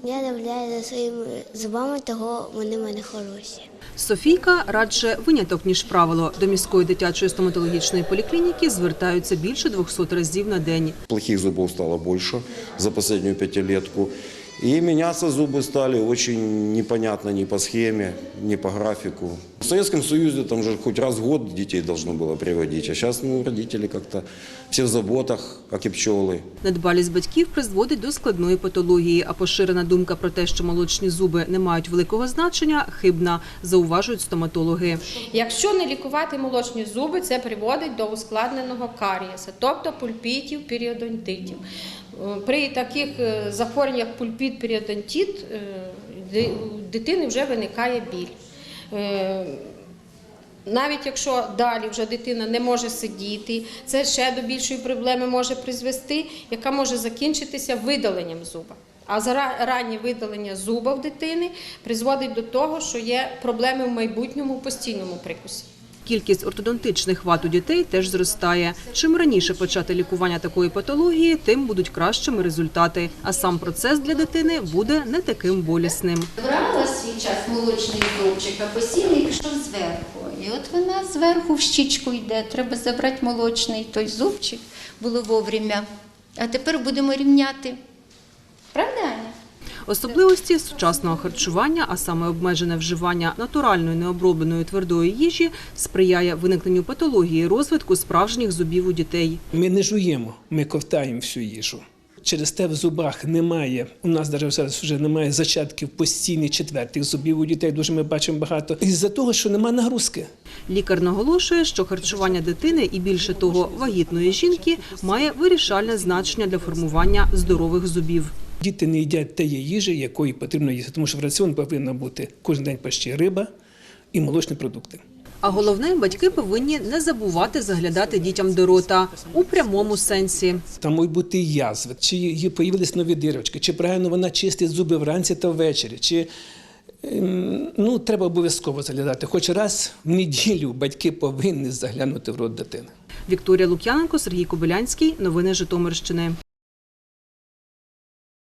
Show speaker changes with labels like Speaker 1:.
Speaker 1: Я наблюдаю за своїми зубами, того вони в мене хороші.
Speaker 2: Софійка – радше виняток, ніж правило. До міської дитячої стоматологічної поліклініки звертаються більше 200 разів на день.
Speaker 3: Плохих зубов стало больше за последнюю пятилетку. И меняться зубы стали очень непонятно ни по схеме, ни по графику. В Советском Союзе там же хоть раз в год детей должно было приводить, а сейчас родители как-то все в заботах, как и пчелы.
Speaker 2: Недбалість батьків призводить до складної патології, а поширена думка про те, що молочні зуби не мають великого значення, хибна, зауважують стоматологи.
Speaker 4: Якщо не лікувати молочні зуби, це приводить до ускладненого карієса, тобто пульпітів, періодонтитів. При таких захворюваннях як пульпіт, періодонтит, у дитини вже виникає біль. Навіть якщо далі вже дитина не може сидіти, це ще до більшої проблеми може призвести, яка може закінчитися видаленням зуба. А раннє видалення зуба в дитини призводить до того, що є проблеми в майбутньому у постійному прикусі.
Speaker 2: Кількість ортодонтичних вад у дітей теж зростає. Чим раніше почати лікування такої патології, тим будуть кращими результати. А сам процес для дитини буде не таким болісним.
Speaker 5: Брала свій час молочний зубчик, а постійно пішов зверху. І от вона зверху в щічку йде. Треба забрати молочний той зубчик, було вовремя. А тепер будемо рівняти. Правда, Аня?
Speaker 2: Особливості сучасного харчування, а саме обмежене вживання натуральної необробленої твердої їжі, сприяє виникненню патології розвитку справжніх зубів у дітей.
Speaker 6: Ми не жуємо, ми ковтаємо всю їжу. Через те в зубах немає, у нас навіть зараз вже немає зачатків постійних четвертих зубів у дітей, дуже ми бачимо багато. Із-за того, що немає нагрузки.
Speaker 2: Лікар наголошує, що харчування дитини і, більше того, вагітної жінки має вирішальне значення для формування здорових зубів.
Speaker 6: Діти не їдять тієї їжі, якої потрібно їсти, тому що в раціон повинна бути кожен день почти риба і молочні продукти.
Speaker 2: А головне, батьки повинні не забувати заглядати дітям до рота у прямому сенсі.
Speaker 6: Там можуть бути язви, чи їй появились нові дірочки, чи правильно вона чистить зуби вранці та ввечері, чи треба обов'язково заглядати. Хоч раз в неділю батьки повинні заглянути в рот дитини.
Speaker 2: Вікторія Лук'яненко, Сергій Кобилянський. Новини Житомирщини.